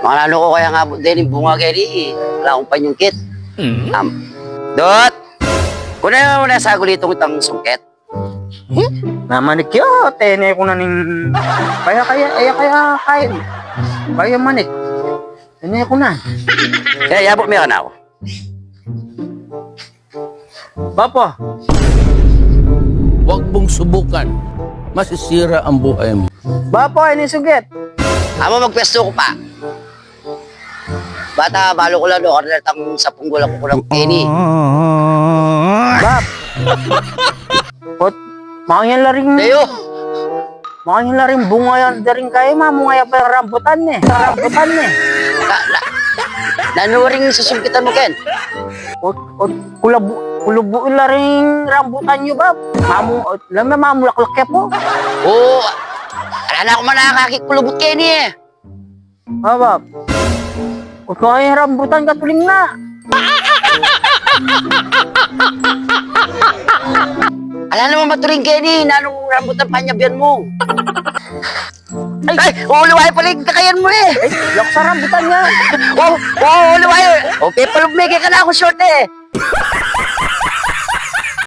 Manalo ko kaya nga din yung bunga kaya ni. Wala akong panyungkit. Dot! Kuna mo na sa gulitong itang sungket. Namanik yo, tene ko na ning kaya manik. Tene ko na. Kaya yabot meron ako. Papa, Huwag mong subukan. Masisira ang buhay mo. Papa, ini suget. Amo magpwesto ko pa. Bata, balo ko lang do. Order tang 10 gulang ko ng Kenny. Bap. Pot, makanya laring Dayo! bunga yan daring kayo mamu ngaya pa rambutan ne. Rambutan ne. Nanuring susungkitan mo, Ken. Ot kulubu laring rambutan nyo bap. Mamu laklak po. Oo. Wala na ako manakakikulubot Kenny eh. Bap. Ot kaya rambutan katuling na. Ala naman maturing Kenny. Nanong rambutan panyabyan mo. Ay, uliway pala yung kakayan mo eh. Lak sa rambutan niya. Uliway. O, pepalumigay ka na ako short eh.